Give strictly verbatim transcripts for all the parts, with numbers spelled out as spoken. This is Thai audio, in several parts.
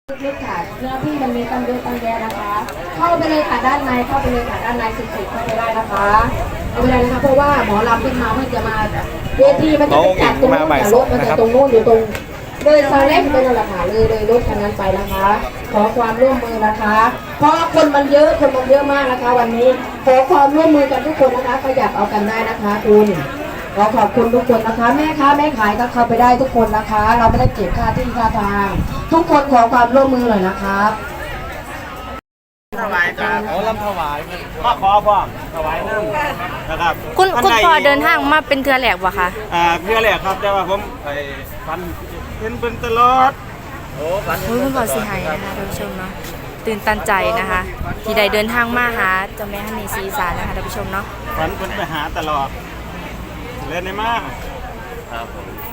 ลึกๆค่ะเนื้อที่มันมีตังเยอะตังแยะนะคะ เข้าไปเลยค่ะด้านในเข้าไปเลยค่ะด้านในสุดๆเข้าไปได้นะคะเอาไปเลยนะคะเพราะว่าหมอลำขึ้นมาเพื่อจะมาเวทีมันจะไปจัดตรงนู้นแต่รถมันจะตรงนู้นอยู่ตรงเลยซอยเล็กเป็นราคาเลยเลยรถคันนั้นไปนะคะ ขอความร่วมมือนะคะ เพราะคนมันเยอะคนมันเยอะมากนะคะ วันนี้ขอความร่วมมือกันทุกคนนะคะขยับเอากันได้นะคะคุณขอขอบคุณทุกคนนะคะแม่ค้าแม่ขายก็เข้าไปได้ทุกคนนะคะ เราไม่ได้เก็บค่าที่ค่าทางทุกคนขอความร่วมมือหน่อยนะครับถวายครับโอ้ลำถวายมาขอพ่อถวายน้ำนะครับคุณคุณพ่อเดินทางมาเป็นเทือแหลกวะคะอ่าเพื่อแหละครับแต่ว่าผมไปฟันเห็นเป็นตลอดโอ้ฟันคุณพ่อสิหายนะคะท่านผู้ชมเนาะตื่นตันใจนะคะ ที่ได้เดินทางมาหาเจ้าแม่ฮันนี่ศรีอีสานนะคะท่านผู้ชมเนาะฟันเป็นไปหาตลอดเล่นได้มากครับ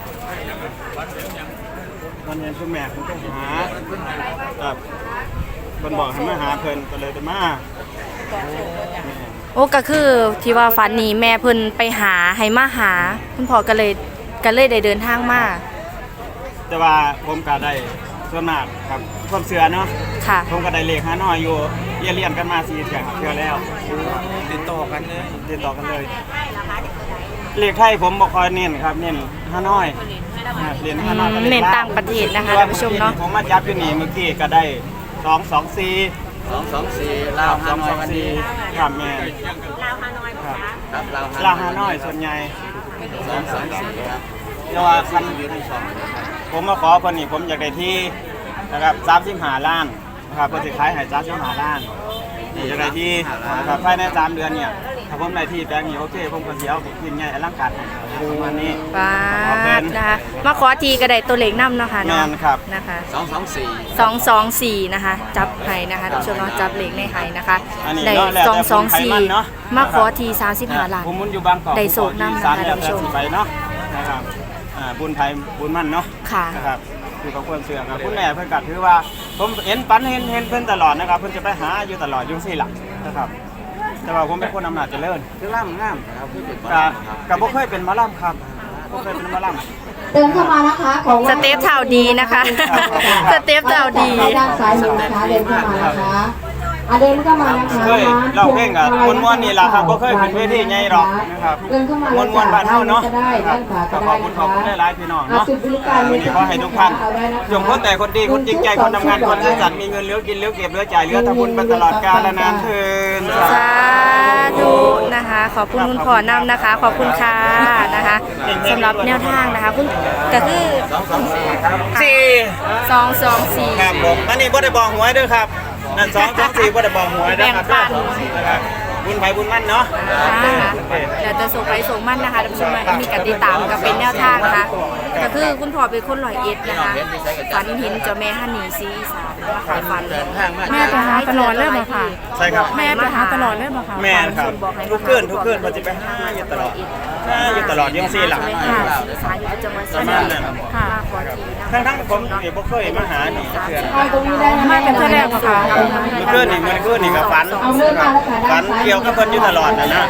วันเห็นคุณแม่คุณไปหาครับคนบอกให้มาหาเพิ่นก็เลยได้มาโอ้ก็คือที่ว่าฝันนี้แม่เพิ่นไปหาให้มาหา คุณพ่อก็เลยก็เลยได้เดินทางมาแต่ว่าผมก็ได้ส่วนมากครับความเสือเนาะค่ะผมก็ได้เลขหาน้อยอยู่เรียนเรียนกันมาสี่เดือนครับเพื่อแล้วติดต่อกันเลยติดต่อกันเลยเลขไทยผมบอกคอยเน้นครับเน้นห้าน้อยเรียนห้าน้อยก็เน้นต่างประเทศนะคะท่านผู้ชมเนาะผมมาจับอยู่นี่เมื่อกี้ก็ได้สองสองสี่สองสองสี่ลาวฮานอยวันนี้ครับแม่ลาวฮานอยครับลาวฮานอยส่วนใหญ่สองสองสี่ครับแต่ว่าคันอยู่ในช่องนะครับผมมาขอคนนี้ผมอยากได้ที่นะครับสามสิบห้าล้านนะครับเพื่อจะขายให้สามสิบห้าล้านนี่อยากได้ที่นะครับภายในสามเดือนเนี่ยถ้าผมได้ที่แปลงนี้โอเคผมก็เสียเอายิ่งใหญ่อลังการประมาณนี้ป้าดนะคะมาขอทีก็ได้ตัวเลขนำเนาะค่ะแม่เนาะนครับนะคะสองสองสี่สองสองสี่นะคะจับไห้นะคะท่านผู้ชมเนาะจับเลขในไห้นะคะอันนี้ได้เนาะแล้วสองแต่สองผมไขสี่มันเนาะมาขอทีสามสิบห้าล้านผมมุนอยู่บางกอกได้โศกนำนะคะสามเดือนท่านผู้ชมไปเนาะนะครับอ่าบุญไทยบุญมั่นเนาะค่ะนะครับอยู่กับคนเสือครับคุณแม่เพิ่นกัดถือว่าผมเห็นปันเห็นเห็นเพิ่นตลอดนะครับเพิ่นจะไปหาอยู่ตลอดอยุ่งสี่หลักนะครับ แต่ว่าผมเป็นคนอำนาจเจริญคือล่ำงามครับคือเป็นกับกับบ่เคยเป็นหมอลำครับบ่เคยเป็นหมอลำเดินเข้ามานะคะของสเตปเท่าดีนะคะ สเตปเท่าดีด้านซ้ายมือนะคะเดินเข้ามานะคะอ่ะเดินเข้ามานะคะเคยเราเพลงกับม้วนๆนี่ล่ะครับบ่เคยเป็นเวทีใหญ่หรอกนะครับเดินเข้ามาม้วนๆบ้านเฮาเนาะก็ได้ด้านขวาก็ขได้อบคุณขอบคุณหลายๆพี่น้องเนาะจุดบริการวันนี้ขอให้ทุกท่านจงคนแต่คนดีคนจริงใจคนทำงานคนซื่อสัตย์มีเงินเหลือกินเหลือเก็บเหลือจ่ายเหลือทำบุญไปตลอดกาลนานเทินสาธุนะคะ ขอบคุณคุณพ่อนำนะคะ ขอบคุณค่ะนะคะสำหรับแนวทางนะคะคุณก็คือสองสองสี่ครับสี่สองสองสี่ครับผมอันนี้บ่ได้บอกหวยเด้วยครับนั่นสองสองสี่บ่ได้บอกหวยนะครับแบ่งปันนะครับบุญไผบุญมั่นเนาะนะคะเดี๋ยวจะส่งไปส่งมั่นนะคะท่านผู้ชมมีกติดตามกับเป็นแนวทางนะคะก็คือคุณพ่อเป็นคนร้อยเอ็ดนะคะฝันเห็นเจ้าแม่ฮันนี่ศรีอีสานมาขายฝันเดินทางมาแม่ไปหาตลอดเลยบ่ค่ะใช่ครับแม่ไปหาตลอดเลยบ่ค่ะแม่นครับทุกคืนทุกคืนมันจะไปหาอยู่ตลอดหาอยู่ตลอดยังสี่หลังค่ะสายอยู่จังหวัดสุรินทร์ค่ะขอทีนะทั้งทั้งๆผมเองบ่เคยมาหานี่เทื่อตรงนี้ได้นะไม่เป็นเท่าแรกบ่ค่ะเมื่อคืนนี่เมื่อคืนนี่ก็ฝันฝันเกี่ยวกับเพิ่นอยู่ตลอดนะนะ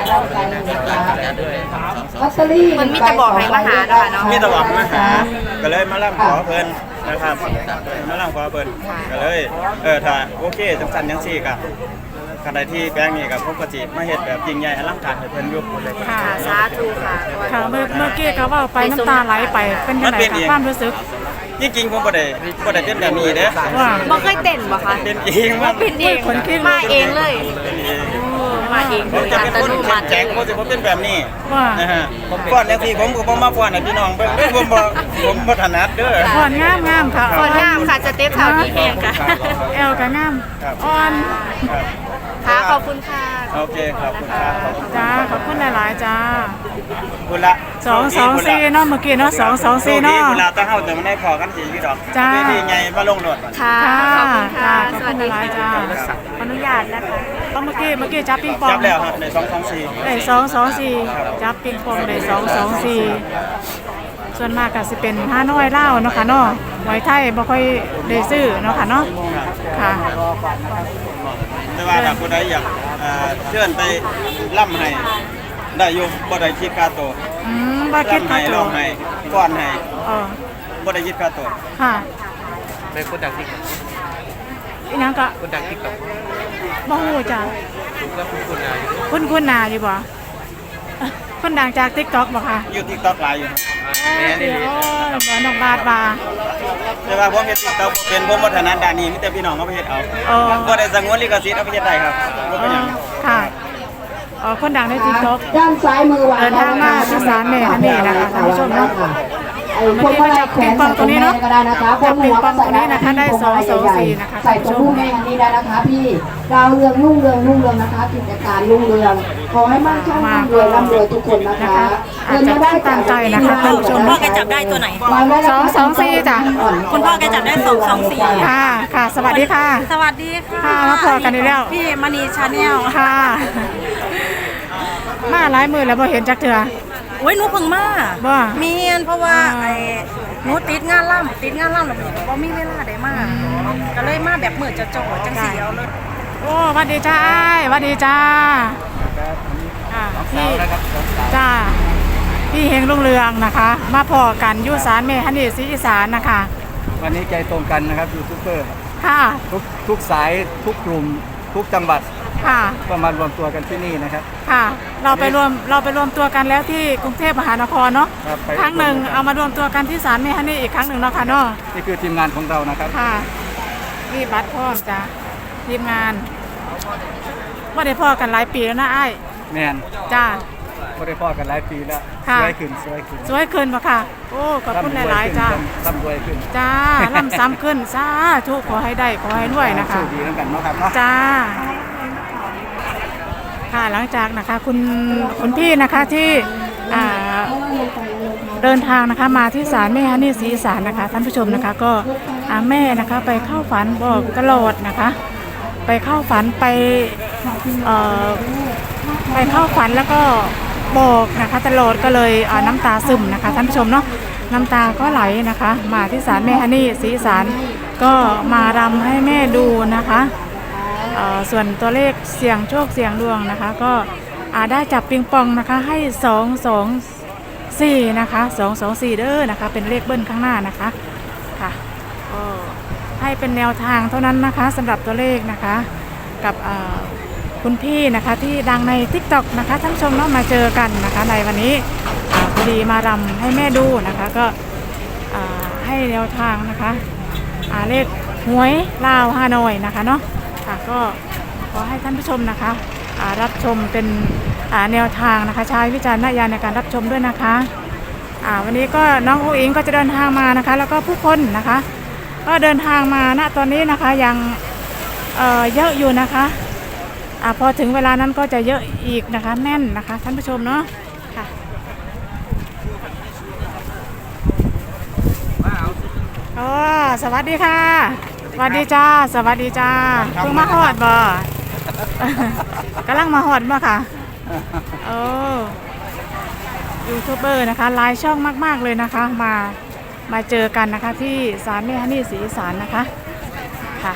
ลอตเตอรี่มันมีแต่บอกให้มาหานะคะเนาะมีแตะวันมาหาก็เลยมาล่ำขอเพิ่นนะครับมาล่ำขอเพิ่นก็เลยเออถ้าโอเคจังซั่นจังซี่ก็ขณะที่แป้งนี่กับผมก็สิมาเฮ็ดแบบยิ่งใหญ่อลังการให้เพิ่นอยู่เลยค่ะสาธุค่ะค่ะเมื่อเมื่อกี้ก็เว่าไปน้ำตาไหลไปเป็นยังไงคะความรู้สึกจริงๆผมบ่ได้บ่ได้เป็นแบบนี้เด้อว่าบ่เคยเต้นบ่คะเป็นเองว่าเป็นเองมาเองเลยเป็นเองมาเองผมจะเป็นคนเข้มแข็งผมจะบ่เป็นแบบนี้ว่านะฮะผมฟ้อนจังซี่ผมก็บ่มาฟ้อนให้พี่น้องเบิ่งเด้อผมบ่ผมบ่ถนัดเด้ออ่อนงามงามค่ะคนงามค่ะสเต็ปเท่าดีแห้งค่ะแอลก็งามครับอ่อนครับค่ะขอบคุณค่ะโอเคขอบคุณครับขอบคุณจ้าขอบคุณหลายๆจ้าคุณละสองสองสี่เนาะเมื่อกี้เนาะสองสองสี่เนาะคุณละต้องเฮาแต่มันได้พอกันสิพี่ดอกจ้าเวทีไงมาลงโหลดค่ะค่ะขอบคุณค่ะขอบสคุวัณสดีหลายๆจ้าค่ะขออนุญาตนะคะเมื่อกี้เมื่อกี้จับปิงปองจับแล้วครับในสองสองสี่ได้สองสองสี่จับปิงปองได้สองสองสี่ส่วนมากก็สิเป็นห้าน้อยเล่าวเนาะค่ะเนาะไว้ไทยบ่ค่อยได้ซื้อเนาะค่ะเนาะค่ะแต่ว่าถ้าผู้ใดอยากเอ่อเชิญไปล่ำให้ได้อยู่บ่ได้คิดค่าตัวอืมบ่คิดล่ำค่าให้ตัร้วองให้ฟ้อนให้เออบ่ได้คิดค่าตัวค่ะเป็นคนดังติ๊กอีหยังก็คนดังติ๊กต็อกบ่ฮู้จ้ะคุณก็คุณคุณนายคุณคุณหนาอยู่บ่คนดังจาก TikTok บ่ค่ะอยู่ TikTok หลายอยู่แม่นี่โอ้ยบ่น้องบาทว่าแต่ว่าผมเฮ็ด TikTok เป็นผมบ่ถนัดด้านนี้มีแต่พี่น้องเขาไปเฮ็ดเอาอ๋อบ่ได้สงวนลิขสิทธิ์เอาไปเฮ็ดได้ครับบ่เป็นหยังค่ะอ๋อคนดังใน TikTok ด้านซ้ายมือวางเดินทางมาที่ศาลแม่ฮันนี่นะคะท่านผู้ชมเนาะไอ้พวกอะไรแขวนใส่ตรงนี้ก็ได้นะคะพวกหัวก็ใส่ได้นะคะได้สองสองสี่นะคะใส่ตรงลูกแม่ฮันนี่ได้นะคะพี่ดาวเรืองรุ่งเรืองรุ่งเรืองนะคะกิจการรุ่งเรืองขอให้มั่งคั่งร่ำรวยร่ำรวยทุกคนนะคะอาจจะตามใจนะคะท่านผู้ชมพ่อแกจับได้ตัวไหนสองสองสี่จ้ะคุณพ่อแกจับได้สองสองสี่ค่ะค่ะ สวัสดีค่ะสวัสดีค่ะค่ะมาพอกันอีกแล้วพี่มณีชาแนลค่ะ มาหลายมือแล้วบ่เห็นจักเถื่อโอ้ยหนูเพิ่งมาบ่เมียนเพราะว่าอ่าไอ้หนูติดงานล่ำติดงานล่ำแล้วหนูก็บ่มีเวลาได้มาก็เลยมาแบบมือจะจ่อจังสีเอาเลยโอ้หวัดดีจ้าอ้ายหวัดดีจ้าอ่าพี่จ้าพี่เฮงรุ่งเรืองนะคะ มาพอกันอยุสารเมฮันนี่ศรีอีสานนะคะวันนี้ใจตรงกันนะครับยูทูบเบอร์ค่ะทุกทุกสายทุกกลุ่มทุกจังหวัดค่ะก็มารวมตัวกันที่นี่นะครับค่ะ เราไปรวมเราไปรวมตัวกันแล้วที่กรุงเทพมหานครเนาะครับไปครั้งหนึ่งเอามารวมตัวกันที่ศาลเมฮันนี่อีกครั้งหนึ่งเนาะค่ะเนาะนี่คือทีมงานของเรานะครับค่ะมีบัตรพร้อมจ้ะทีมงานว่าได้พ่อกันหลายปีแล้วนะไอ้ายแมนจ้าก็ได้พ่อกันหลายปีแล้วค่ะสวยขึ้นสวยขึ้นสวยขึ้นปะค่ะ โอ้ขอบคุณหลายๆจ้าร่ำรวยขึ้นจ้าล่ำซ้ำขึ้นสาธุขอให้ได้ขอให้รวยนะคะโชคดีทั้งกันเนาะครับเนาะจ้า ค่ะหลังจากนะคะคุณคุณพี่นะคะที่อ่าเดินทางนะคะมาที่ศาลแม่ฮันนี่ศรีอีสานนะคะท่านผู้ชมนะคะก็อ่าแม่นะคะไปเข้าฝันบอกตลอดนะคะ ไปเข้าฝันไปเอ่อไปเข้าฝันแล้วก็บอกนะคะตลอดก็เลยอ่าน้ำตาซึมนะคะท่านผู้ชมเนาะน้ำตาก็ไหลนะคะ มาที่ศาลแม่ฮันนี่ศรีอีสานก็มารำให้แม่ดูนะคะเอ่อส่วนตัวเลขเสี่ยงโชคเสี่ยงดวงนะคะ ก็อ่าได้จับปิงปองนะคะให้สองสองสี่นะคะสองสองสี่เด้อนะคะเป็นเลขเบิ้ลข้างหน้านะคะค่ะก็ให้เป็นแนวทางเท่านั้นนะคะสำหรับตัวเลขนะคะกับอ่าคุณพี่นะคะที่ดังใน TikTok นะคะท่านผู้ชมเนาะมาเจอกันนะคะในวันนี้อ่าพอดีมารำให้แม่ดูนะคะก็อ่าให้แนวทางนะคะอ่าเลขหวยลาวฮานอยนะคะเนาะค่ะก็ขอให้ท่านผู้ชมนะคะอ่ารับชมเป็นอ่าแนวทางนะคะใช้วิจารณญาณในการรับชมด้วยนะคะอ่าวันนี้ก็น้องอุ๋งอิงก็จะเดินทางมานะคะแล้วก็ผู้คนนะคะก็เดินทางมาณตอนนี้นะคะยังเอ่อเยอะอยู่นะคะอ่าพอถึงเวลานั้นก็จะเยอะอีกนะคะแน่นนะคะท่านผู้ชมเนาะค่ะโอ้สวัสดีค่ะสวัสดีจ้าสวัสดีจ้าเพิ่งมาฮอดบ่ กำลังมาฮอดบ่ค่ะโอ้ยูทูบเบอร์นะคะหลายช่องมากๆเลยนะคะมามาเจอกันนะคะที่ศาลแม่ฮันนี่ศรีอีสานนะคะค่ะ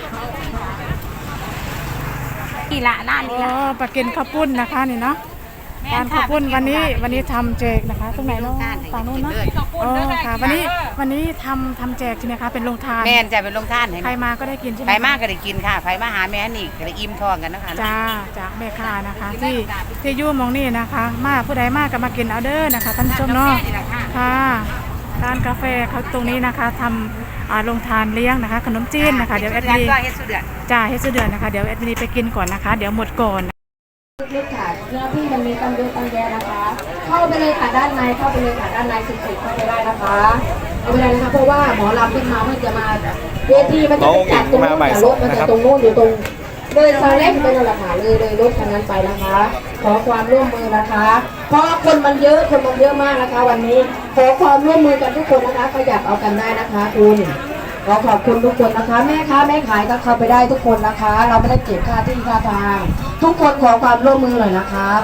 นี่ละหน้าโอ้นี่ละปลากินข้าวปุ้นนะคะนี่เนาะการข้าวปุ้นวันนี้วันนี้ทำแจกนะคะตรงไหนเนาะฝั่งนู้นเนาะอ๋อค่ะวันนี้วันนี้ทำทำแจกใช่ไหมคะเป็นโรงทานแม่นจะเป็นลงท่านให้ใครมาก็ได้กินใช่ไหมไผมากก็ได้กินค่ะไผมากหาแม่นี่ก็ได้อิ่มท้องกันนะคะจ้าจากแม่ค้านะคะที่ที่อยู่หมองนี่นะคะ มาผู้ใดมากก็มากินเอาเด้อนะคะท่านผู้ชมเนาะค่ะร้านกาแฟเขาตรงนี้นะคะทำอ่าโรงทานเลี้ยงนะคะ ขนมจีนนะคะเดี๋ยวแอดมินก็เฮ็ดสุดเดือดจ้าเฮดซื้อเดือนนะคะเดี๋ยวแอดมินไปกินก่อนนะคะ เดี๋ยวหมดก่อนลึกๆค่ะเนื้อที่มันมีตังเยอะตังแยะนะคะ เข้าไปเลยค่ะด้านในเข้าไปเลยค่ะด้านในสุดๆเข้าไปได้นะคะเอาไปเลยนะคะเพราะว่าหมอลำขึ้นมาเพื่อจะมาเวทีมันจะไปจัดตรงนู้นแต่รถมันจะตรงนู้นอยู่ตรงเลยซาเล้งไปนั่นแหละค่ะเลยเลยรถคันนั้นไปนะคะ ขอความร่วมมือนะคะ เพราะคนมันเยอะคนมันเยอะมากนะคะ วันนี้ขอความร่วมมือกันทุกคนนะคะขยับเอากันได้นะคะคุณขอขอบคุณทุกคนนะคะแม่ค้าแม่ขายก็เข้าไปได้ทุกคนนะคะ เราไม่ได้เก็บค่าที่ค่าทางทุกคนขอความร่วมมือหน่อยนะครับ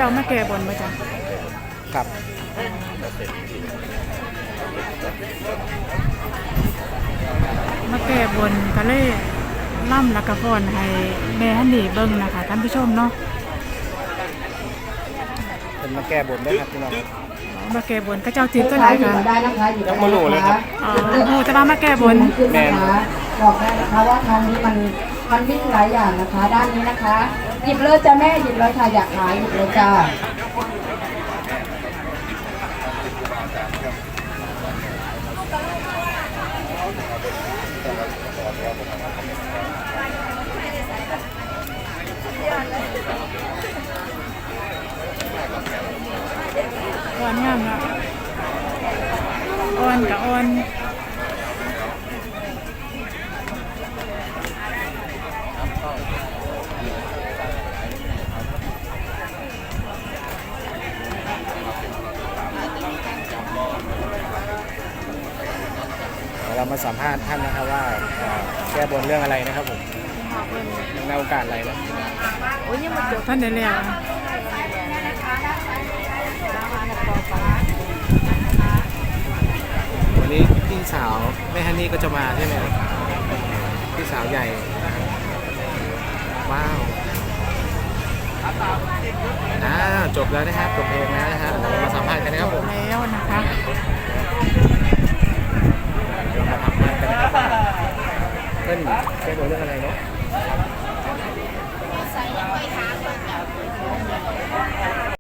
จ้ามาแก้บนมาจ้ะครับมาแก้บนก็เลยล่ำและกระพรให้แม่ฮันนี่เบิ่งนะคะท่านผู้ชมเนาะเป็นมาแก้บนด้วยครับพี่น้องมาแก้บนก็เจ้าจีนก็หลายค่ะได้นะคะอยู่ยังบ่รู้เลยครับอ๋อโหจะมามาแก้บนขึ้นนะคะบอกได้นะคะว่าทางนี้มันมันวิ่งหลายอย่างนะคะ ด้านนี้นะคะ หยิบเลยจ้ะแม่หยิบเลยค่ะอยากขายหยิบเลยจ้าอ่อนงามละอ่อนกับอ่อนเดี๋ยวเรามาสัมภาษณ์ท่านนะครับว่าเอ่อแก้บนเรื่องอะไรนะครับผมในโอกาสอะไรนะท่านได้แล้ววันนี้พี่สาวแม่ฮันนี่ก็จะมาใช่ไหมครับพี่สาวใหญ่นะครับว้าวอ่าจบแล้วนะครับจบเพลงแล้วนะฮะเรามาสัมภาษณ์กันนะครับผมแล้วนะคะเรามาทำงานกันนะครับว่าเพื่อนแก้บนเรื่องอะไรเนาะ